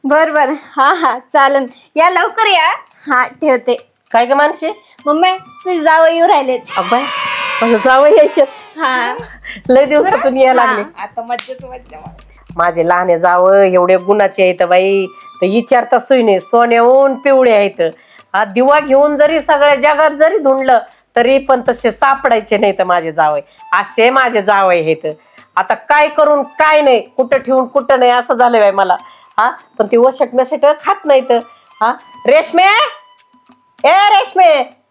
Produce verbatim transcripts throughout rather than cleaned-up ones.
बर बर हा हा चालन या लवकर या. हा ठेवते. काय ग मानशी? मम्मी तुझी जावं येऊ राहिलेत. अब्बाई माझं जावं यायचं. हा लय दिवसातून यायला लागले. आता मज्जाच मज्जा. माझे लहाने जावं एवढे गुणाचे आहेत बाई. तर विचारता सुईने सोन्याहून पिवळे आहेत. हा दिवा घेऊन जरी सगळ्या जगात जरी धुंडलं तरी पण तसे सापडायचे नाही तर माझे जावई. असे माझे जावई आहेत. आता काय करून काय नाही, कुठं ठेवून कुठं नाही असं झालं बाई मला. हा पण ती वशट मशट खात नाही तर. हा रेशमे ए रेशमे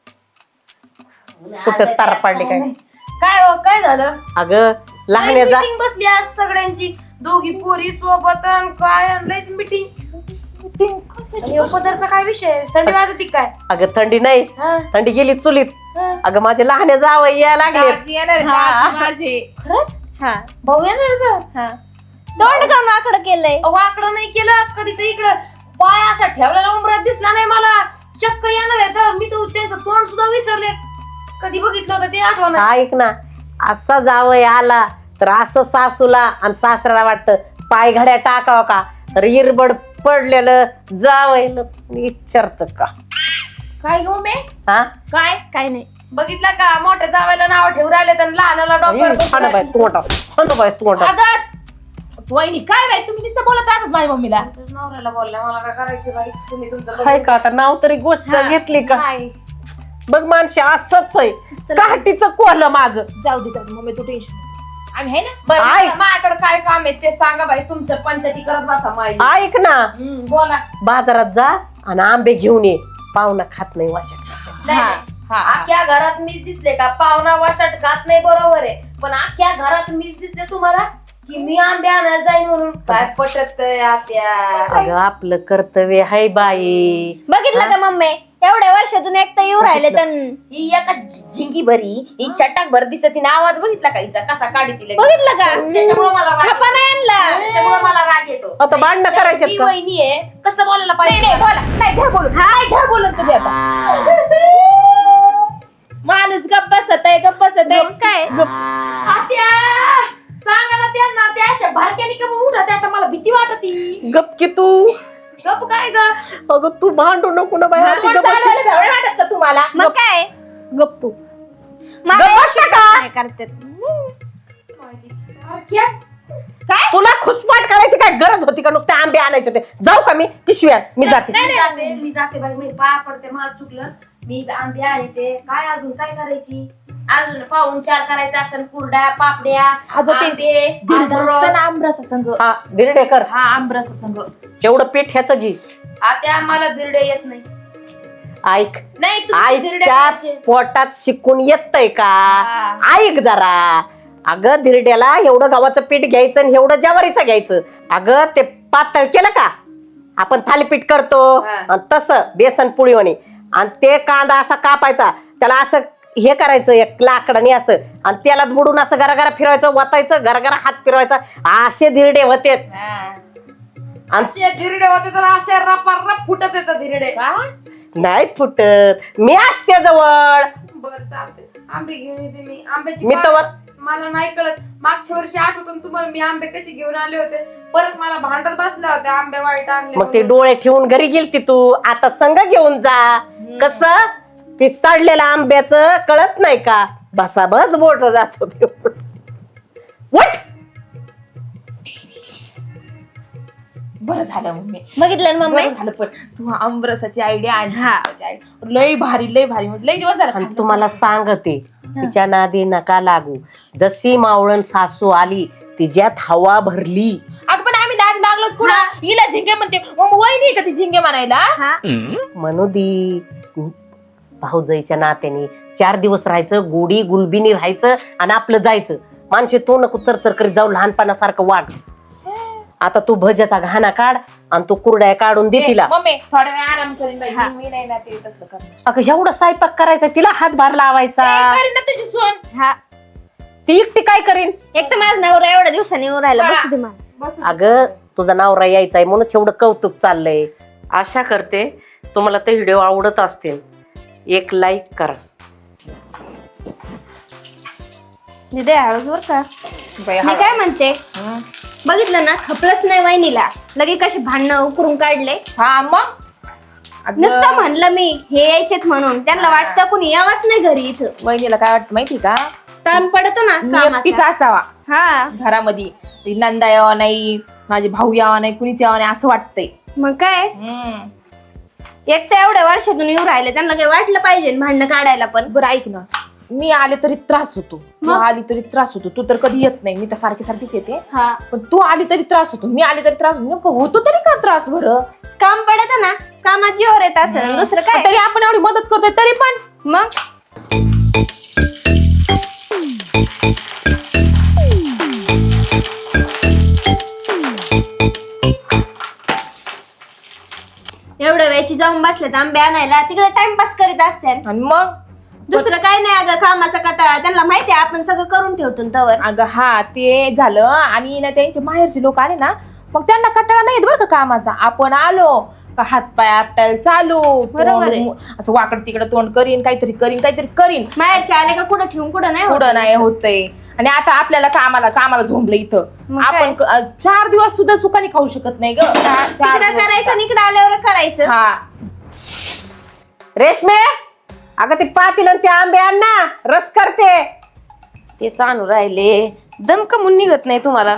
कुठं तार पाडली काय? काय हो काय झालं? अगं लहान जा मीटिंग बसली आज सगळ्यांची, दोघी पोरी सोबत अन काय लयच मीटिंग. पदरचा काय विषय? थंडी वाजती काय? अगं थंडी नाही, हा. थंडी गेली चुलीत. हा. अगं माझे लहान जावई यायला लागले. माझे खरंच हा भाऊ येणार होतं? हा तोंड काऊन आकडं केलंय? वाकडं नाही केलं कधी तर इकडं पाय असा ठेवलेला उमरात दिसला नाही मला. चक्क येणार आहे तर मी तर त्यांचं तोंड सुद्धा विसरले. कधी बघितलं होतं ते आठवण. ऐक ना, असा जावई आला तर असं सासूला आणि सासऱ्याला वाटतं पाय घड्या टाकावं का, तर इरबड पडलेलं जावईला विचारत का काय घेऊ मी? हा काय काय नाही. बघितलं का मोठ्या जावायला नाव ठेवून राहिले तर लहानाला बाय तोंडा बाय तोंडा वहिनी काय बाई तुम्ही नुसतं बोलत राहतात माझ्या मम्मीला. नवऱ्याला बोलला मला काय करायचं बाई, तुम्ही तुमचं हाय का आता नाव तरी गोष्ट घेतली का? काय बघ माणशी असंच आहे. काठीचं कोलं माझं. जाऊ दे जाऊ दे मम्मी तू टेन्शन आम्ही आहे ना. बरं ऐक. मला- माझ्याकडे काय काम आहे ते सांगा बाई. तुमचं पंचायती करत बसा माई. ऐक ना, हम्म, बोला. बाजारात जा आणि आंबे घेऊन ये. पाहुणा खात नाही वाशट. नाही, नाही. अख्ख्या घरात मीच दिसले का? पाहुणा वासट खात नाही बरोबर आहे, पण अख्ख्या घरात मीच दिसले तुम्हाला की मी आंबे आणायला जाईन म्हणून. काय पटत आत्या? अगं आपलं कर्तव्य हाय बाई. बघितलं का मम्मी एवढ्या वर्षातून एकटा येऊ राहिले तर. ही एका झिंगी भरी ही चटाक भर दिसत तिने आवाज बघितला का हिचा कसा काढी तिला? बघितलं का? त्याच्यामुळे मला राग खपा नाही आणला. त्याच्यामुळे मला राग येतो. आता भांडणं करायचे ती का? वहिनी आहे, कसं बोलायला नाही पाहिजे? नाही बोला नाही घर बोलून नाही घर बोलून तुम्ही आता. माणूस गप्प बसत आहे गप्प बसत आहे. काय आत्या सांगा ना त्यांना, त्या अशा भारक्यानी का म्हणून उठत आहे? आता मला भीती वाटती. गप की तू. गप काय ग? अगं तू भांडू नको ना बाई. तुम्हाला चालवायला भेवडं वाटत का तुम्हाला? मग काय गप तू. मला गप्प बसता का? नाही करतात. सारख्याच. काय तुला खुसपाट करायची काय गरज होती का? नुसते आंबे आणायचे ते. जाऊ का मी पिशव्या? मी जाते. मी जाते मी जाते बाई, मी पाया पडते. मला चुकलं. मी आंबे आणते. काय अजून काय करायची? अजून पाहून चार करायचं असेल, कुरड्या पापड्या अगं ते आंबे, दिरडा आमरस. असतं ना आमरस संघ. हा दिरडेकर हा आमरस संघ. एवढं पीठ ह्याचं घे. आत्या मला दिरडे येत नाही. ऐक, नाही तुम्ही दिरडे आईच्या करायचे. पोटात शिकून येतय का? हा. ऐक जरा. अगं धिरड्याला एवढं गव्हाचं पीठ घ्यायचं आणि एवढं ज्वारीचं घ्यायचं. अगं ते पातळ केलं का आपण थालीपीठ करतो हा. आणि तसं बेसन पोळीवाणी, आणि ते कांदा असा कापायचा, त्याला असं हे करायचं एक लाकडाने असं, आणि त्याला बुडून असं गरागरा फिरवायचं, वतायचं, गरागरा हात फिरवायचा. असे धिरडे होते. आणि असे दिरडे होते तर असे रपा रप फुटत येतात दिरडे. नाही फुटत. मी असते जवळ. बर चालते. आंबे घेऊन येते मी. आंब्याची मी पात- तवर मला नाही कळत. मागच्या वर्षी आठवतं तुम्हाला मी आंबे कसे घेऊन आले होते? परत मला भांडत बसल्या होत्या आंबे वाईट आणले मग ते म्हणून. डोळे ठेवून घरी गेलती तू. आता संग घेऊन जा. कसं ते सडलेलं आंब्याचं कळत नाही का? बसा बस बोट जात होते. उठ. बरं झालं मम्मी. बघितलं ना मम्मी. बरं झालं पण तू आमरसाची आयडिया आणि लय भारी लय भारी म्हणजे लय दिवस झाला आणि खाल्लंच तुम्हाला सांगते, तिच्या नादी नका लागू. जशी मावळण सासू आली तिच्यात हवा भरली. नाही. अगं पण आम्ही नाद लागलोच कुणा हिला झिंगे म्हणते. मग वहिनी का ती झिंगे म्हणायला? हा म्हणू दी. भाऊजाईच्या नात्याने चार दिवस राहायचं, गोडी गुलबिनी राहायचं आणि आपलं जायचं. माणसे तो नको चरचर करीत जाऊ लहानपणासारखं वाट. आता तू भज्याचा घाणा काढ आणि तू कुरड्या काढून दे तिला. मम्मी थोडा वेळ आराम करीन बाई. मी नाही ना ते तसं करणार. अगं एवढं स्वयंपाक करायचा, तिला हातभार लावायचा. ए, करीन ना तुझी सोन. हा ती एकटी काय करीन? एक तर माझा नवरा एवढ्या दिवसांनी येऊ राहिला. बसू दे मला. अगं तुझा नवरा यायचा आहे म्हणून एवढं कौतुक चाललंय. आशा करते तुम्हाला ते व्हिडिओ आवडत असतील. एक लाईक करा. दिदे हळूच बर का. बाई, मी काय म्हणते, हं. बघितलं ना खपलंच नाही वहिनीला. लगे कशी भांडणं उकरून काढले. हा मग अगं, नुसतं म्हणलं मी हे यायचेत म्हणून त्यांना वाटतं कुणी यावंच नाही घरी इथं. वहिनीला काय वाटतं माहिती का, ताण पडतो ना मी एकटीच कामाचा. असावा हा घरामध्ये. ती नंदा यावा नाही, माझे भाऊ यावा नाही, कुणीच यावा नाही असं वाटतंय. मग काय हम्म. एक तर एवढ्या वर्षातून येऊ राहिले त्यांना काही वाटलं पाहिजे ना भांडणं काढायला पण. बरं ऐक ना, मी आले तरी त्रास होतो, तू मग? आली तरी त्रास होतो. तू तर कधी येत नाही, मी तर सारखी सारखीच येते. हा पण तू आली तरी त्रास होतो, मी आले तरी त्रास होतो. नेमकं होतो तरी का त्रास बरं? काम पडत ना कामात जीवर येत असं दुसरं काय. तरी आपण एवढी मदत करतोय तरी पण. मग एवढ्या वेळची जाऊन बसलेत आंबे आणायला, तिकडे टाइमपास करीत असते. आणि मग दुसरं काय नाही अगं, कामाचा कटाळा त्यांना माहिती आहे आपण सगळं करून ठेवतो ना तवर. अगं हा ते झालं. आणि ना त्यांचे माहेरचे लोक आले ना, मग त्यांना कंटाळा नाही येत बरं का कामाचा. आपण आलो का हात पाय आपटायला चालू, बरोबर आहे. तोंड असं वाकड तिकडं तोंड करीन, काहीतरी करीन काहीतरी करीन. माहेरचे आले का कुठं ठेवून कुठं नाही होत. पुढं नाही होतंय. आणि आता आपल्याला कामाला कामाला झोंबलं इथं. मग काय? आपण क- अं, चार दिवस सुद्धा सुखाने खाऊ शकत नाही ग. चार तिकडं दिवस करायचं आणि इकडं आल्यावर करायचं. हा रेशमे, अगं ते पातील आणि ते आंबे आण ना, रस करते. ते चालू राहिले दम कमून निघत नाही तुम्हाला.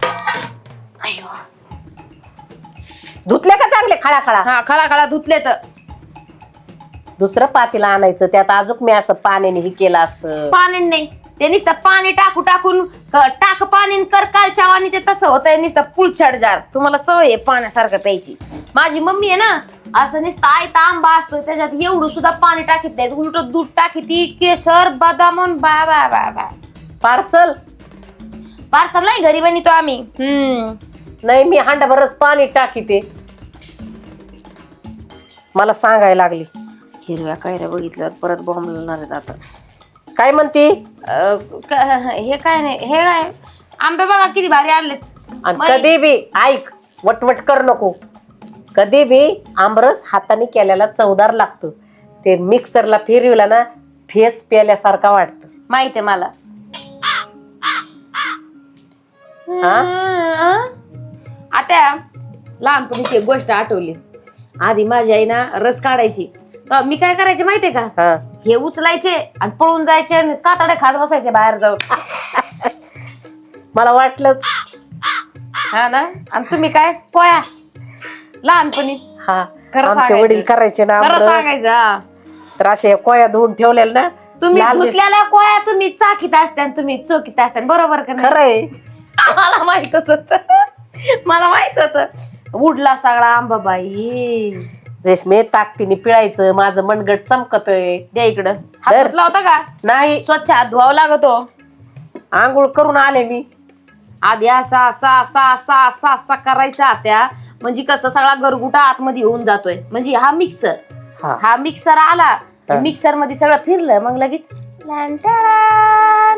धुतले का चांगले खळा खळा? हा खळा खळा धुतले तर. दुसरं पातील आणायचं, त्यात अजून मी असं पाण्याने हे केलं असतं. पाणी नाही ते नुसतं पाणी टाकू टाकून क- टाक पाणी कर कालच्या आणि ते तसं होतंय नुसतं पुळछाड जार. तुम्हाला सवय आहे पाण्यासारखं प्यायची. माझी मम्मी आहे ना असं नुसतं आयता आंबा असतो त्याच्यात एवढं सुद्धा पाणी टाकीत नाही, उलट दूध टाकीती, केशर बदाम बा बा बा बा. पार्सल पार्सल नाही घरी बनवतो आम्ही. हम्म नाही, मी हांडाभरच पाणी टाकीते. मला सांगायला लागली. हिरव्या कैऱ्या बघितल्यावर परत बॉम्ब लागणार आहेत आता. काय म्हणती? अं, क- हे काय नाही, हे काय आंबे बघा किती भारी आणलेत. आणि बाई. कधी बी ऐक, वटवट कर नको. कधी बी आंबरस हाताने केल्याला चवदार लागतो. ते मिक्सरला फिरवला ना, फेस प्याल्यासारखा वाटतं. माहित आहे मला. हा? आता लहानपणीची एक गोष्ट आठवली. आधी माझी आई ना रस काढायची तर मी काय करायचे माहितीये का, हा. हे उचलायचे आणि पळून जायचे आणि कातडे खात बसायचे बाहेर जाऊन. मला वाटलंच. हा ना. आणि तुम्ही काय पोया लहानपणी हा, खरं आमचे सांगायचं. वडील करायचे ना खरं आमरस. सांगायचं. हा. तर असे कोया धुवून ठेवलेल्या ना, तुम्ही लाल दिस- धुतलेल्या कोया तुम्ही चाकीत असत्या आणि तुम्ही चोकीत असत्या, बरोबर का नाही? खरंय. मला माहितच होत. मला माहित होत. उडला सगळा आंबा बाई. रेशमे, ताकदीने पिळायचं. माझं मनगट चमकतय. द्या इकडं. हात धर. धुतला होता का? नाही, स्वच्छ हात धुवावा लागतो. आंघोळ करून आले मी. आधी असा असा असा असा असा असा करायचा त्या, म्हणजे कसं सगळा गरगुटा आतमध्ये होऊन जातोय. म्हणजे हा मिक्सर हा. हा मिक्सर आला, हा. मिक्सर मध्ये सगळं फिरलं, मग लगेच लॅन्टन.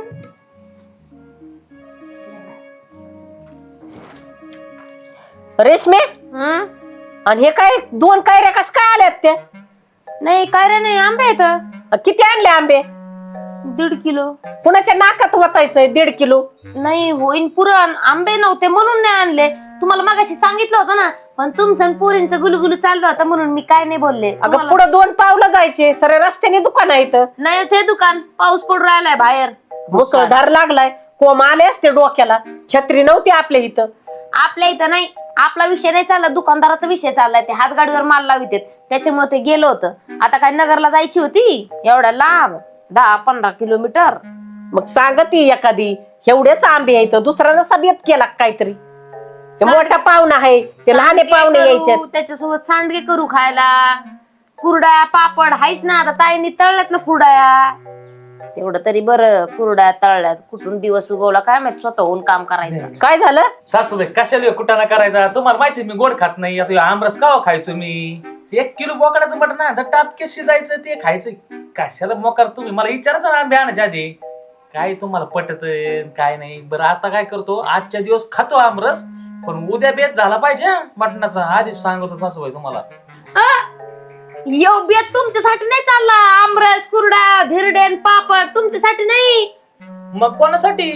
रेशमे, हं? आणि हे काय दोन कायऱ्या कस काय आल्यात त्या? नाही काय रे, नाही आंबे येत किती आणले आंबे? दीड किलो. कुणाच्या नाकात वतायचंय दीड किलो? नाही होईन पुरण, आंबे नव्हते म्हणून नाही आणले. तुम्हाला मगाशी सांगितलं होतं ना, पण तुमचं आणि पोरींचं गुलगुलू चाललं होतं म्हणून मी काय नाही बोलले. अगं तुम्हाला- पुढे दोन पावलं जायचे, सर रस्त्याने दुकान आहे इथं. नाही ते दुकान पाऊस पडून राहिलाय बाहेर. मुसळधार लागलाय, कोंब आले असते डोक्याला. छत्री नव्हती आपल्या इथं. आपल्या इथं नाही, आपला विषय नाही चालला, दुकानदाराचा विषय चाललाय. ते हातगाडीवर माल लावित त्याच्यामुळे ते गेलो होतं. आता काय नगरला जायची होती, एवढ्या लांब दहा पंधरा किलोमीटर. मग सांगती एखादी, एवढेच आंबे आहेत, दुसरा नसा बेत केला का काहीतरी. ते मोठा पाहुणा आहे, ते लहाने सांडगे पाहुणे करू, यायचे. त्याच्यासोबत सांडगे करू खायला. कुरड्या पापड हायच ना, आता ताईंनी तळल्यात ना कुरड्या. तेवढं तरी बरं, कुरड्या तळल्यात. कुठून दिवस उगवला काय माहित, स्वतःहून काम करायचं. काय झालं? सासूबाई कशाला कुटाणा करायचा? तुम्हाला माहिती मी गोड खात नाही. आता ह्यो आमरस का खायचो मी? एक किलो बोकडाचं मटण ना टापके शिजायचं ते खायचं. कशाला मोकार तुम्ही मला विचारायचं ना आंबे आणायच्या आधी. काय तुम्हाला पटत काय नाही. बरं आता काय करतो, आजच्या दिवस खातो आमरस, पण उद्या बेत झाला पाहिजे हं, मटणाचा. आधीच सांगतो सासूबाई तुम्हाला. यो बेत तुमच्यासाठी नाही चालला. आमरस कुरडा धिरडेन पापड तुमच्यासाठी नाही. मग कोणासाठी?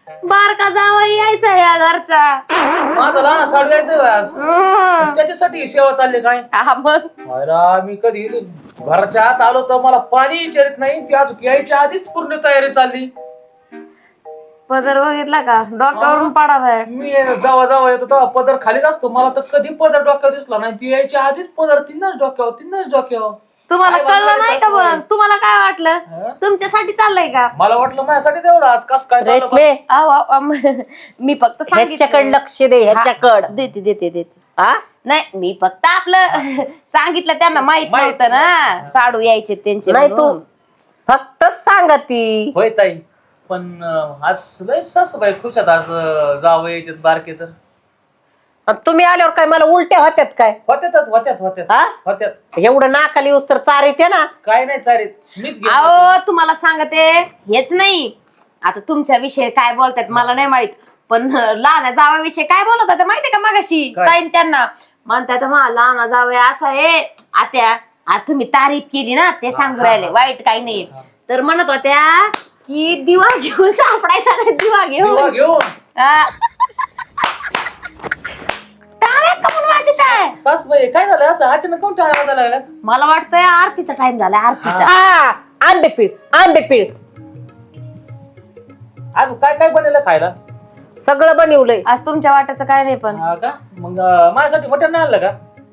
बारका जावा यायचा या घरचा. माझा लहान साडू जायचं आज हं. त्याच्यासाठी ही सेवा चालली काय हा मग अरे मी कधी घराच्या आत आलो तर मला पाणी विचारित नाही ती अजून यायच्या आधीच पूर्ण तयारी चालली. पदर बघितला का डोक्यावरून पडालाय. मी जावा जावा येतो तेव्हा पदर खालीच असतो मला तर कधी पदर डोक्यावर दिसला नाही ती यायच्या आधीच पदर तिनच डोक्यावर तिनच डोक्यावर. तुम्हाला काय कळलं बनवायचं नाही का असं? बघ तुम्हाला काय वाटलं हं? तुमच्यासाठी चाललंय का? मला वाटलं माझ्यासाठीच एवढं आज कस काय चाललं बा? रेशमे आव, आव, आव, मी फक्त ह्याच्याकडे सांगितलं. लक्ष दे ह्याच्याकड हा, देते देते देते. हा नाही मी फक्त आपलं सांगितलं त्यांना माहित माहित नव्हतं ना साडू यायचे त्यांचे नाही तू म्हणून. फक्त सांगा ती. होय ताई पण अं, आज लय सासूबाई खुशात आज अं, जावं यायच्यात बारके तर आणि तुम्ही आल्यावर काय मला उलट्या होत्यात काय? होत्यातच होत्यात होत्यात हा होत्यात एवढं नाकाली येऊस तर चार येते ना. काय नाही चारीत मीच घेऊन अहो जातो. तुम्हाला सांगते हेच नाही आता तुमच्या विषयी काय बोलतात मला नाही माहित पण लहान जावयाविषयी काय बोलत होते माहितीये का मगाशी काय? ताईन त्यांना म्हणतात मला लहान जावया असं आहे आत्या आता तुम्ही तारीफ केली ना ते सांगू राहिले वाईट काही नाही तर म्हणत होत्या की दिवा घेऊन सापडायचा नाही दिवा दिवा घेऊन घेऊन हा. टाळ्या का म्हणून वाजत आहे? सासूबाई काय झालं असं अचानक कोण टाळा वाजायला लागला मला वाटतंय आरतीचा टाइम झाला आरतीचा. हा आंबे पीळ आंबे पीळ आज काय काय बनवलं खायला सगळं बनवलंय. आज तुमच्या वाट्याचं काय नाही पण हा का मग अं, माझ्यासाठी मटण नाही आणलं का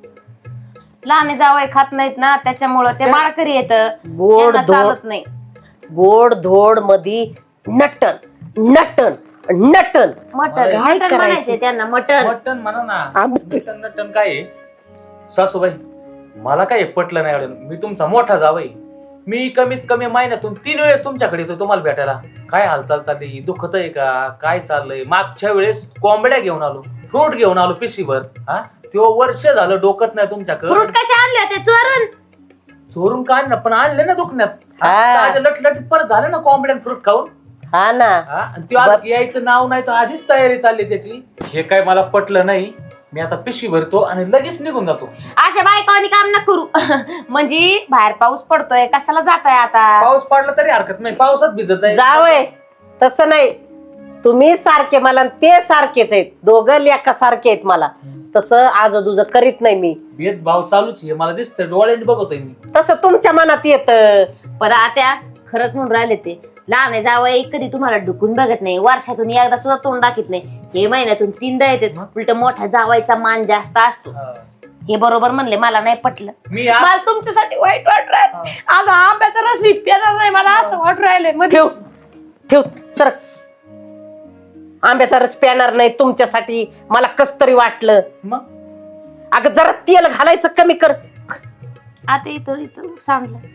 लहान जावई खात नाहीत ना त्याच्यामुळं ते माळकरी येत गोड धोड चालत नाही. गोड धोड मधी नटन नटन नटन मटन अरे, काय मटन करायचं? म्हणायचे त्यांना मटन. मटण म्हणा ना आंबे मटण नटण काय आहे? सासूबाई मला काय पटलं नाही एवढं मी तुमचा मोठा जावई मी कमीत कमी महिन्यातून तीन वेळेस तुमच्याकडे येतो तुम्हाला भेटायला काय हालचाल चालली दुखत आहे का काय चाललंय मागच्या वेळेस कोंबड्या घेऊन आलो फ्रूट घेऊन आलो पिशीभर हा तो वर्ष झालं डोकत नाही तुमच्याकडे फ्रूट कसे आणले होते चोरून? चोरून काय ना पण आणले ना दुखण्यात हा. लटलटीत परत झालं ना कोंबड्या फ्रूट खाऊन हा ना हा, आणि त्यो आता यायचं नाव नाही तर आधीच तयारी चालली त्याची हे काय मला पटलं नाही मी आता पिशवी भरतो आणि लगेच निघून जातो अशा बायकांनी काम न करू म्हणजे बाहेर पाऊस पडतोय कशाला जाताय आता? पाऊस पडला तरी हरकत नाही पावसात भिजत नाही जावय तसं नाही तुम्ही सारखे मला आणि ते सारखेच आहेत दोघं लेका सारखे आहेत मला तसं आज तुझं करीत नाही मी भेदभाव चालूच आहे मला दिसतंय डोळ्याने बघतोय मी तसं तुमच्या मनात येत. पण आता खरंच म्हणून राहिले ते लहान जावई कधी तुम्हाला ढुकून बघत नाही वर्षातून एकदा सुद्धा तोंड दाखवत नाही हे महिन्यातून तीनदा येते उलट मोठ्या जावायचा मान जास्त असतो. हा. हे बरोबर म्हणले मला नाही पटलं मी आज- मला तुमच्यासाठी वाईट वाट राहिलं आज आंब्याचा रस मी पिणार नाही मला असं वाट राहिले ठेव ठेव सर आंब्याचा रस प्याणार नाही तुमच्यासाठी मला कस तरी वाटलं. मग अगं जरा तेल घालायचं कमी कर आता इथं इथं सांगलं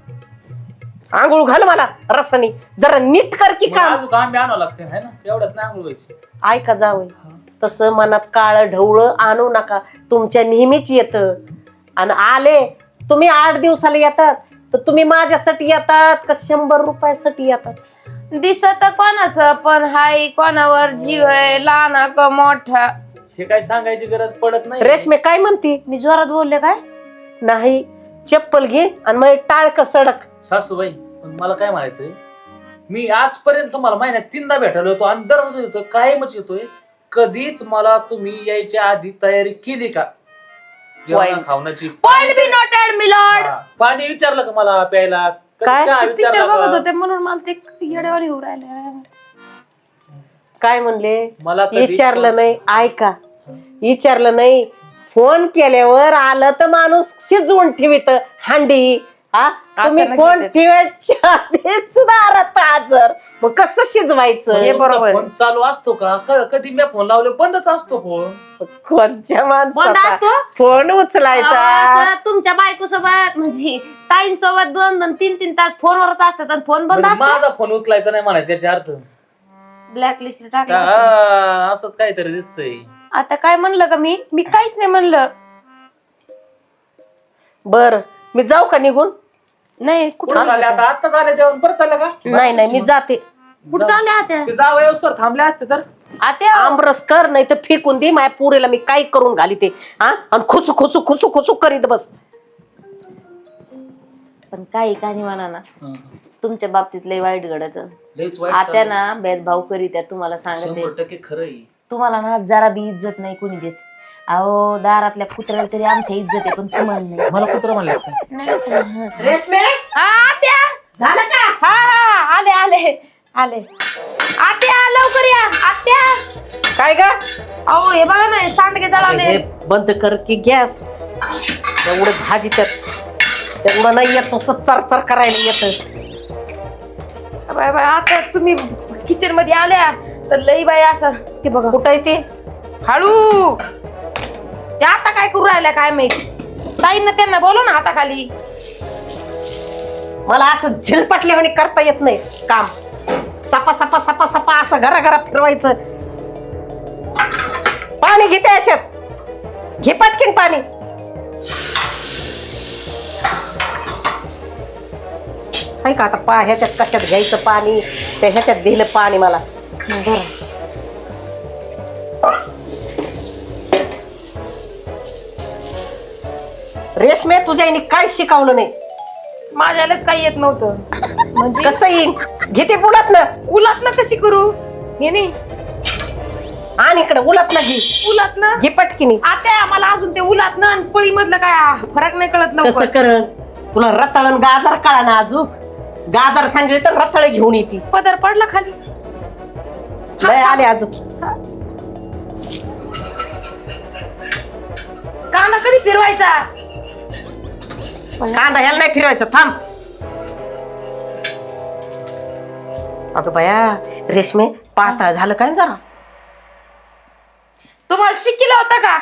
आंघोळ घाल मला रसानी जरा नीट कर की मग काम. अजून आंबे आणावं लागते है ना एवढ्यात नाही आंघोळ व्हायची ऐका जावं तसं मनात काळ ढवळ आणू नका तुमच्या नेहमीच येत आणि आले तुम्ही आठ दिवसाला येतात तर तुम्ही माझ्यासाठी येतात का शंभर रुपयासाठी येतात? दिसत कोणाचं पण हाय कोणावर जीव आहे लहान का मोठा. हे काय सांगायची गरज पडत नाही रेशमे काय म्हणती? मी जोरात बोलले काय? नाही चप्पल घे आणि मग टाळक सडक. सासूबाई पण मला काय म्हणायचंय मी आजपर्यंत तुम्हाला महिन्यात तीनदा भेटायला होतो आणि दररोज येतोय कायमच येतोय कधीच मला तुम्ही यायच्या आधी तयारी केली का जेवण खावण्याची पॉइंट बी नोटेड मिलॉर्ड. हा. पाणी विचारलं का मला प्यायला कधी काय? चहा पिक्चर विचारला बघत का? होते म्हणून मला ते येडेवाणी होऊ राहिले. काय म्हणले? मला कधी- विचारलं नाही ऐका विचारलं नाही फोन केल्यावर आलं तर माणूस शिजवून ठेवित हांडी हा तुम्ही अचानक फोन येतात. ठेवायच्या आधीच दारात हजर मग कसं शिजवायचं? हे तुमचा बरोबर. फोन चालू असतो का क- कधी मी फोन लावले बंदच असतो फोन कोणत्या बंद माणसाचा असतो? फोन उचलायचा? असं तुमच्या बायको सोबत म्हणजे ताईन सोबत दोन दोन तीन तीन तास फोनवरच असतात आणि फोन बंद म्हणजे असतो. माझा फोन उचलायचा नाही म्हणायचा याचा अर्थ ब्लॅक लिस्ट टाकलं. हा, असंच काहीतरी दिसतंय आता काय म्हणलं का मी मी काहीच नाही म्हणलं. बर मी जाऊ का निघून? नाही कुठं कुठं चालले आता आत्ता चालले जेवण परत चाललं का नाही नाही मी जाते. कुठं चालले आता? ते जावं व्यवस्थित थांबले असते तर आता आमरस कर नाही तर फेकून दे माझ्या पुरीला मी काय करून घाली ते हा आणि खुसू खुसू खुसू खुसू करीत बस. पण काही काही म्हणा ना तुमच्या बाबतीत लय वाईट घडत लयच वाईट आत्या चाललंय. ना भेदभाव करीत आहे, तुम्हाला सांगते. शंभर टक्के खरं आहे. तुम्हाला ना जरा बी इज्जत नाही कोणी देत. अहो दारातल्या कुत्र्याला तरी आमच्या इज्जत आहे, पण तुम्हाला नाही. मला कुत्र म्हणले आपण. रेशमे हा, आत्या झालं का? हा हा आले आले आले आत्या लवकर या आत्या. काय ग? अहो हे बघा ना सांडगे जळाले. हे बंद कर की गॅस. एवढं भाजी त्यात तेवढं नाही येत, नुसतं चरचर करायला येत. बाय बाय आता तुम्ही किचन मध्ये आल्या तर लई बाई असं ते बघा कुठं आहे ते? हळू. ते आता काय करू राहिल्या काय माहिती. ताईंना त्यांना बोलव ना हाताखाली. मला असं झिलपटल्यावानी करता येत नाही काम. सपा सपा सपा सपा असं घरा घरा फिरवायचं. पाणी घे त्याच्यात, घे पटकीन पाणी. हाय का आता पा ह्याच्यात कशात घ्यायचं पाणी, त्या ह्याच्यात दिलं पाणी मला. रेशमे तुझ्या आईने काय शिकवलं नाही? माझ्यालाच काही येत नव्हतं. म्हणजे कसं येईन? घेते बुलात ना, उलात ना कशी करू हे नाही. आणि इकडे उलात ना घे, उलात ना घे पटकीनी. आता मला अजून ते उलात ना आणि पळी मधलं काय फरक नाही कळत कसं लवकर. करण तुला रताळण गाजर कळा ना. अजून गाजर सांगितले तर रताळ घेऊन येते. पदर पडला खाली. नाही आले अजून. कांदा कधी फिरवायचा? कांदा ह्याला नाही फिरवायचं, थांब. अगं बाया रेशमे पातळ झालं काय जरा? तुम्हाला शिकिलं होतं का?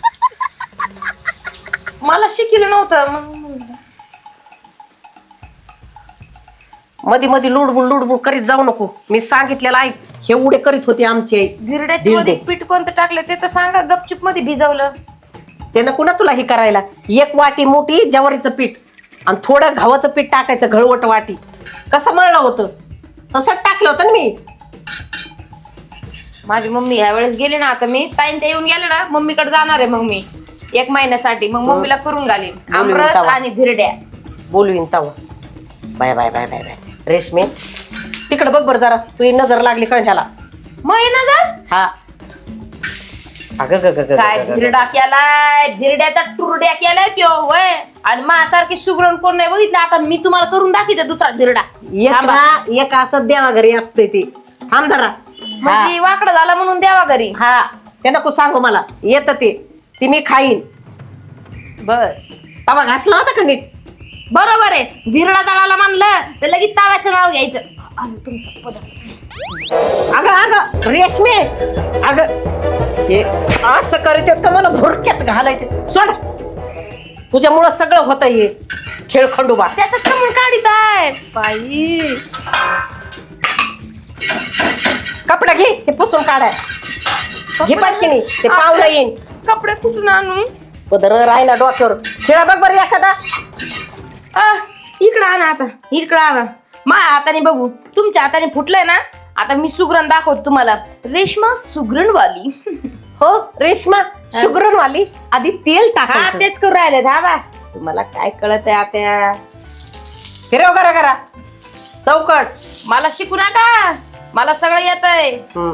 मला शिकिलं नव्हतं. मग मधी मधी लुडबुड लुडबुड करीत जाऊ नको. मी सांगितलेलं ऐक. हे उडे करीत होती आमची आई. धिरड्याच्या मध्ये पीठ कोणतं टाकलं ते तर सांगा. गपचूप मध्ये भिजवलं. त्यानं कुणा तुला हे करायला? एक वाटी मोठी ज्वारीचं पीठ आणि थोडं गव्हाचं पीठ टाकायचं, घळवट वाटी. कसं मळलं होतं तसंच टाकलं होतं ना मी. माझी मम्मी ह्या वेळेस गेली ना, आता मी ताईन ते येऊन गेले ना, मम्मीकडे जाणार आहे मग मी एक महिन्यासाठी. मग मम्मीला करून घालीन आमरस आणि धिरड्या. बोलवीन तवा. Bye bye bye bye bye. रेशमे तिकडे बघ बरं जरा, तुझी नजर लागली का ह्याला? मग हे नजर हा अगं ग ग ग काय धिरडा केलाय, धिरड्याचा टुरड्या केलाय त्यो होय. आणि माझ्यासारखी सुगरण कोण नाही बघितलं. आता मी तुम्हाला करून दाखवते दुसरा धिरडा. एक ना एक असं देवा घरी असतंय ते. थांब जरा. म्हणजे वाकडं झाला म्हणून द्यावा घरी. हा ते नको सांगू, मला येत ते ती मी खाईन. बर तवा घासला होता का नीट? बरोबर आहे. धिरडा जळाला म्हणलं तर लगेच ताव्याचं नाव घ्यायचं. अरे तुमचं पदार्थ. अगं अगं रेशमे अगं हे असं करत का मला भुरक्यात घालायचे? सोड, तुझ्यामुळं सगळं होत हे खेळ खंडोबा. त्याचं कमी काढीत आहे बाई. कपडा घे, हे पुसून काढाय. घे पटकीनी, ते पावलं येईन. कपडे कुठून आणू? पदर राहिला डोक्यावर. खेळा बघ बरं एखादा. इकडं आणा आता, इकडं आणा. माझ्या हाताने बघू. तुमच्या हाताने फुटलंय ना, आता मी सुगरण दाखवतो तुम्हाला. रेशमा सुगरणवाली. हो रेशमा सुगरणवाली. आधी तेल हा टाकायचं. तेच करू राहिले धाबा. तुम्हाला काय कळत आहे आता? फिरव करा करा चौकट. मला शिकू नका, मला सगळं येतंय. हम्म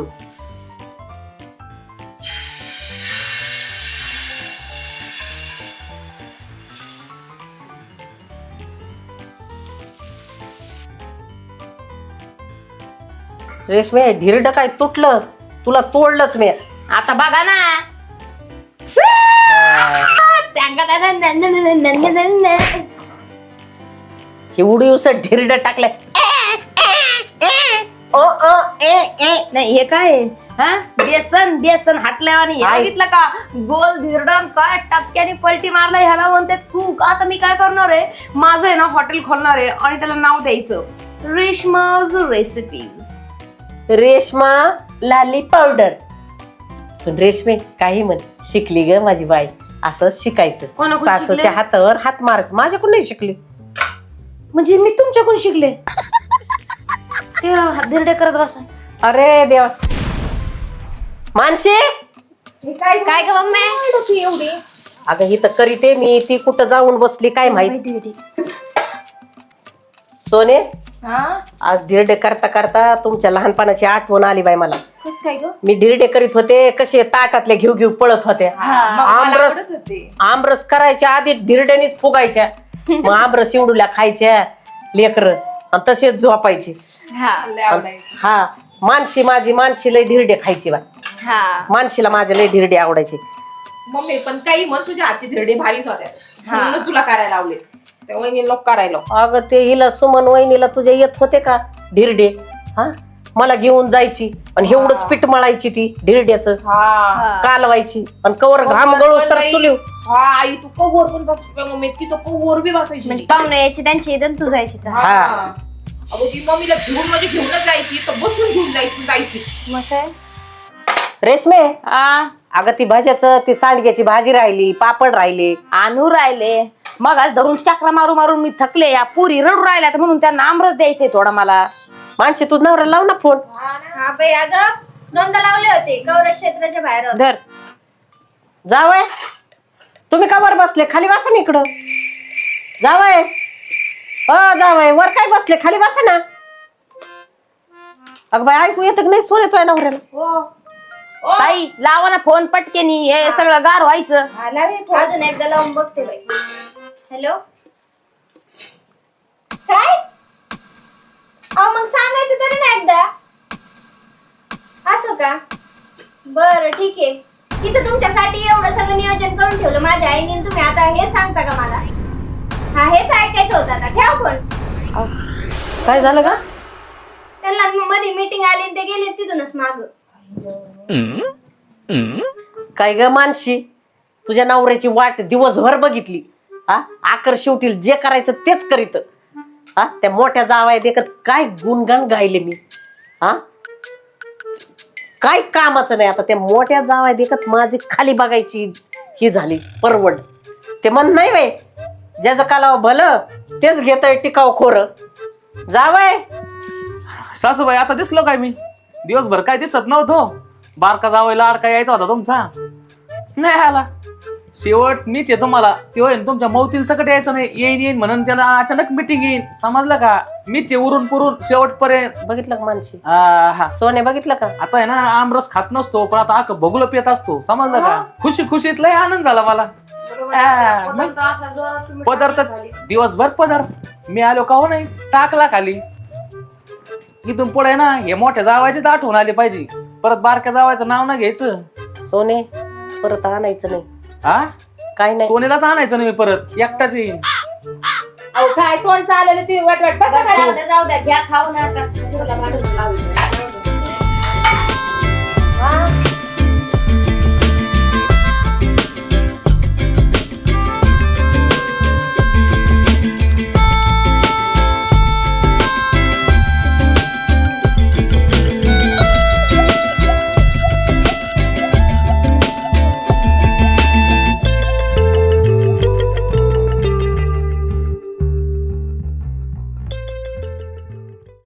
रेशमे ढिरड काय तुटलं? तुला तोडलंच मी. आता बघा ना. हे उडीवस ढिरड टाकलंय. ओ ओ ए ए नाही हे काय आहे? हा बेसन बेसन हाटल्या आणि काय? बघितलं का गोल धिरडण काय टपक्याने पलटी मारला. ह्याला म्हणतात कूक. आता मी काय करणार आहे, माझं आहे ना हॉटेल खोलणार आहे आणि त्याला नाव द्यायचं रेशमाज रेसिपीज. रेशमा लाली पावडर. पण रेशमे काही म्हण, शिकली ग माझी बाई. असंच शिकायचं. कोणाकडून सासूच्या शिकले? हातावर हात मारायचं. माझ्याकडून नाही शिकली. म्हणजे मी तुमच्याकडून शिकले. ते धिरडे करत बसा. अरे देवा. मानसी काय काय ग मम्मी एवढी? अगं ही तर करीते मी, ती कुठं जाऊन बसली काय माहिती. सोने हा आज धिरडे करता करता तुमच्या लहानपणाची आठवण आली बाई मला. कस काय ग मी धिरडे करीत होते, कसे ताटातले घेऊ घेऊ पळत होते. मग मला आमरस आवडत होते. आमरस करायच्या आधी धिरड्यानीच फुगायच्या, मग आमरस एवढूल्या खायच्या लेकर आणि तसेच झोपायचे. लय आवडायचं. हा मानशी माझी मानशी लय धिरडे खायची बा. हा मानशीला माझे लय धिरडे आवडायचे. मम्मी पण काही मग तुझ्या हातचे धिरडे भारीच होत्या म्हणून तुला करायला लावले. त्या वहिनी लोक करायला. अगं ते हिला सुमन वहिनीला तुझ्या येत होते का धिरडे? हा मला घेऊन जायची आणि एवढंच पीठ मळायची ती धिरड्याचं, हा कालवायची आणि कवर घाम गळू तर चुलीव. हा आई तू कवर पण बस मम्मी ती तो कवर बी बसायची. म्हणजे पाहुणे यायची त्यांची इथं तू जायची तर. हा. अगं ती मम्मीला घेऊन म्हणजे घेऊनच जायची तर बसून घेऊन जायची जायची. मग काय रेशमे, आ अगं ती भाज्याचं ती सांडग्याची भाजी राहिली, पापड राहिले. आणू राहिले मग आज धरून चक्रा मारू मारून मी थकले. या पुरी रडू राहिल्यात म्हणून त्यांना आमरस द्यायचंय थोडा मला. माणशी तू नवरा लाव ना फोन. हा बाई अगं दोनदा लावले होते कौर क्षेत्राच्या बाहेर होते. धर जावय तुम्ही का वर बसले? खाली बसा ना इकडं. जावय अ जावय वर काय बसले? खाली बसा ना. अगं बाई ऐकू येतं की नाही? सोन येतोय नवऱ्याला. हो ताई लावा ना फोन पटकेनी, हे सगळं गार व्हायचं. आला मी फोन. अजून एकदा लावून बघते बाई. हॅलो काय? अहो मग सांगायचं तरी ना एकदा. असं का? बरं ठीक आहे. तिथं तुमच्यासाठी एवढं सगळं नियोजन करून ठेवलं माझ्या आईने आणि तुम्ही आता हे सांगता का मला? हा हेच ऐकायचं होतं आता. ठेवा फोन. काय झालं का? त्यांना मध्ये मीटिंग आली आणि ते गेले तिथूनच माग. काय ग मानशी, तुझ्या नवऱ्याची वाट दिवसभर बघितली. हा आकर शेवटी जे करायचं तेच करीत. हा त्या मोठ्या जावाय देखत काय गुणगान गायले मी. हा काय कामाचं नाही. आता त्या मोठ्या जावाय देखत माझी खाली बघायची ही झाली परवड. ते म्हण नाही वे ज्याचं कालाव भलं तेच घेतोय टिकाव खोर. जावाय सासूबाई आता दिसलो काय मी? दिवसभर काय दिसत नव्हतो. बारका जावायला अडका यायचा होता तुमचा, नाही आला. शेवट मीच आहे तुम्हाला. ते होय तुमच्या मौतील सकट यायचं नाही. येईन येईन म्हणून त्याला अचानक मिटिंग येईन, समजलं का? मीच आहे उरून पुरून शेवटपर्यंत. बघितलं का मानशी? आ, हा सोने बघितलं का? आता आहे ना आमरस खात नसतो पण आता आक बघुलं पित असतो, समजलं का? खुशी खुशीत लय आनंद झाला मला. आ, मग पदार्थ दिवसभर पदार्थ मी आलो का हो नाही टाकला खाली. इथून पुढे ना हे मोठ्या जावायचीच आठवण आली पाहिजे. परत बारक्या जावायचं नाव ना घ्यायचं. सोने परत आणायचं नाही. हा काय नाही. सोनेलाच आणायचं नाही परत, एकटाच येईन. अहो काय तोंड चालवलं तुम्ही वाट वाट बघा खाली. जाऊ द्या घ्या खाऊ ना आता.